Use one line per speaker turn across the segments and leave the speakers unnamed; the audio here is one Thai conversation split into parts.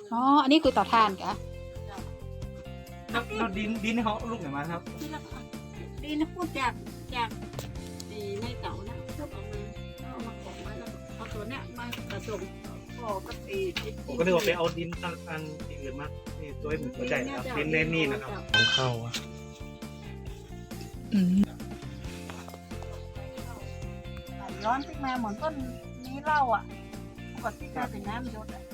อ๋ออันนี้คือเต่อถ่านกะ
แล้วดินเขาลูกไหนมาครับ
ดีนะพูดจากไม่เก่านะเพื่อเอามาของไว้แล้วเอาตัวเนี้ยมาผสมพอกับ
ผมก็นึกว่าไปเอาดินอันอื่นมานี่ตัวเหมือนหัวใจนะครับดินเล่นนี่นะครับของเข้าอ่ะ
ร้อนขึ้นมาเหมือนต้นนี้เหล้าอ่ะปกติก็เป็นน้ำยศอ่ะ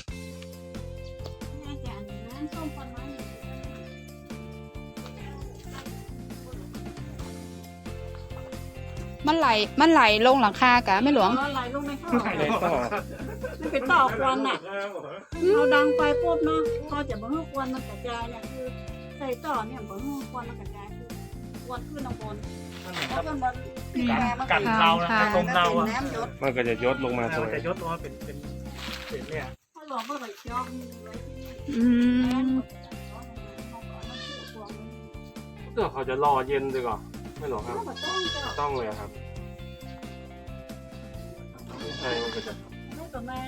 น่าจะน้ำส้มประมาณ
มันไหลลงหลังคากะไม่หลวง
ไหลลงในท่อ
ไหลต่อ
มันเป็นต่อควันอ่ะเราดังไฟปุ๊บเนาะพอจะบ่ให้ควันมันกระจายเนี่ยคือใส่ต่อเนี่ยบ่ให้ควันมันกระจายคือควันขึ้นข้างบนแล้วก็มันปีแม่มัน
กันเรานะลมเราอ่ะ
น้ำยศ
มันก็จะยศลงมา
มัน
ตัว
จะยศตัวเป็นเนี่ย
ถ้าหลวงก็ไปย้อมไว้ที่นี่
อืม
เพื่อเขาจะรอเย็นดีกว่าไม่หรอครับ
ต้องเจ้า
ต้องเลยครับใช่มันก็จะ
ไม่ประมาณ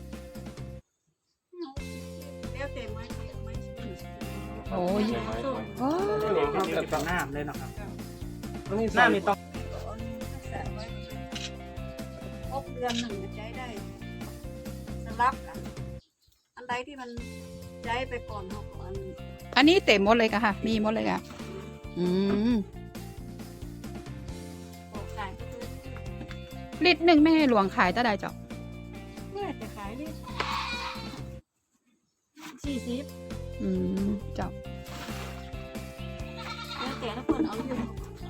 เลี้ยวเต็มไหมไม่
โอ้ย
ใช่ไหม
โอ้
นี่เขาจะเป็นน้ำเลยนะครับ
นี่
น้ำนี่ต้อง
ครบเดือนหนึ่งจะใช้ได้สลับกันอันใดที่มันใช้ไปก่อนเขาก่อน
อันนี้เต็มหมดเลยกะค่ะ มีหมดเลยกะอืม
ออกขายก็คือ
ลิตรหนึ่งแม่หลวงขายตะไดเจ้า
เมื่อจะขายได้40
อืมเจ้า
แล้วแต่ละคนเอาอยู่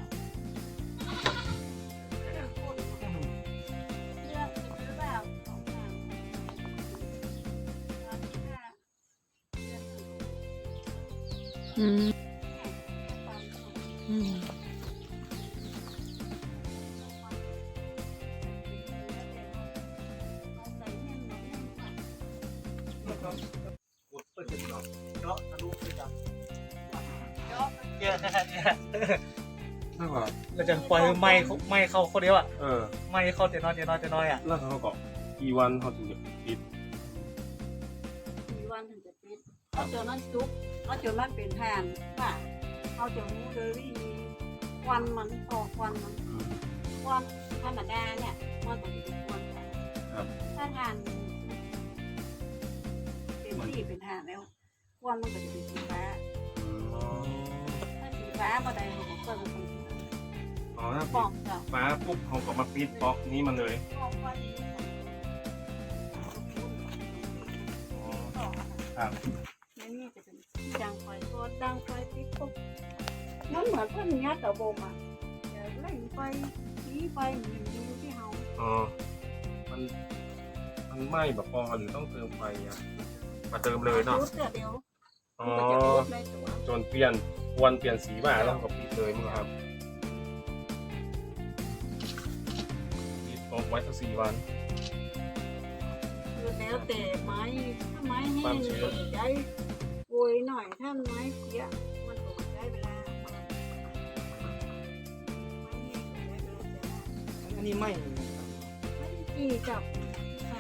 เลือกหรือเปล่าของทาง
อืมอืม
เปิดเนาะเจาะทะลุไปจับเยอะขนาดนี้
แล้วก็
เราจะปล่อยไม่เข้าคนเดียวอ่ะ ไม่เข้าเจน้อยอ่ะ
แล้วเขาก็กี่วันเขาถึงจะปิด
มีวันถึงจะปิดเอาจนนั้นซุกเอาจนนั้นเป็นทานว่าเอาจนมูเดอรี่วันมันออกวันมันวันธรรมดาเนี่ยมันก็จะเป็นวันถ้าทานเป็นที่เป็นทานแล้ววันมันก็จะเป็นสีฟ้าถ้าสีฟ้าบ่ได้เขาก็เปิดมันเป็น
อ๋อถ้า
ปอกเจ้า
ฟ้าปุ๊บเขาก็มาปิดบล็อกนี้มันเลย
ปอกวันนี้
ครับ
นี่จะเป็นดังไฟโซดดังไฟปิดปุ๊บนั่นเหมือนเพื่อนยัดตะบมอ่ะเดี๋ยวเล่นไฟชี้ไฟหนึ่งดูที่เฮา
อ๋อมันไหม้แบบพอหรือต้องเติมไฟอ่ะมาเติมเลยเนาะ
จุดเดียว
อ๋อ
มันจะจุดในตัว
จนเปลี่ยนวันเปลี่ยนสีมาแล้วก็ปิดเลยมั้งครับปิดบล็อกไว้สัก4 วัน
คือแล้วแต่ไม้ถ้าไม้แห้งใช้โวยหน่อยถ้าไม้เปียกมันก็ใช้เวลาไม้แห้งใช้เวลาจะ
อันนี้ไม่
ไม่ดีกับค่ะ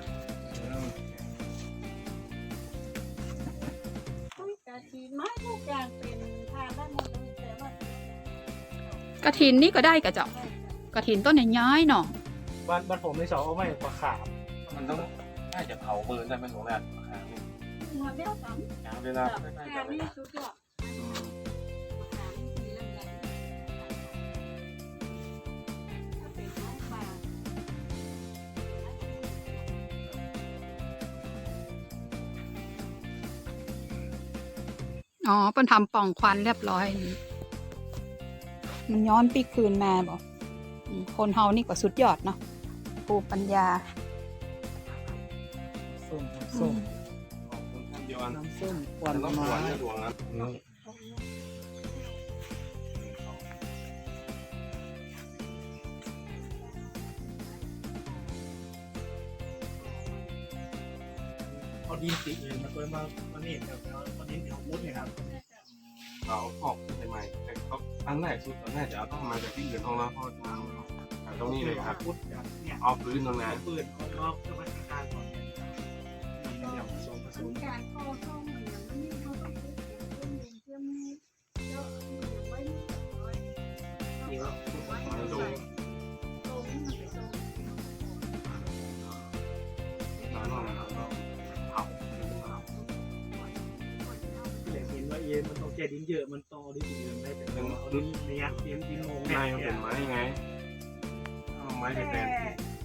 ต้องการทีไม้ทุกอย่างเป็นทานได้หมดเลยแต่ว่าก
ระถินนี่ก็ได้กะเจ้ากระถินต้นใหญ่ๆเนาะ
บ้านผมในสองเอาไม่ปลาขาบ
มันต้องน่าจะเผาเบิร์นได้เป็นหลวงแรกครับ
หัวเบี้ยวกัน
ยาวเลยนะ
แค่นี้สุดยอดหาทีละอย่างถ้าเป็นไม้ป่า
อ๋อเป็นทำปล่องควันเรียบร้อยนี่มันย้อนปีคืนมาบอกคนเฮานี่ก็สุดยอดเนาะภูมิปัญญา
ส้ม
ขอบคุณท่านเดียวกัน
น้ำส้มควั
มัน นต้องห
ไม้
วานหลวงนะ
เอาดินสีอื่นมาตัวมานี่ครับแล้วเอาดินของมุดเนี่ยครับ
เราออกขึ้นใหม่ๆแต่ก็อันแรกสุดตอนแรกจะต้องมาจากที่อื่นห้องแล้วพอมาตรงนี้เลยครับ
มุดจากเนี่ย
เอาพื้นตรงนั้น
ปืนของนอกเพื่อมาทำการก่อนเนี่ยเป็นอย่างผสม
การก่อสร้างเหมือนนี้เขาต้องเชื่อมเยอะอย่างไว้น้อย
เยอะ
มันดู
ตรงมันไปตรง
ร้านนอกนะครับเราเผา
แต่เห็นว่าเย็นมันต้องแก้ดินเยอะมันต่อดินเยอะได้แต่เราเอาดินในยัดดินโมง
ในมันเป็นไม้ไงเอาไม้เป็นแทน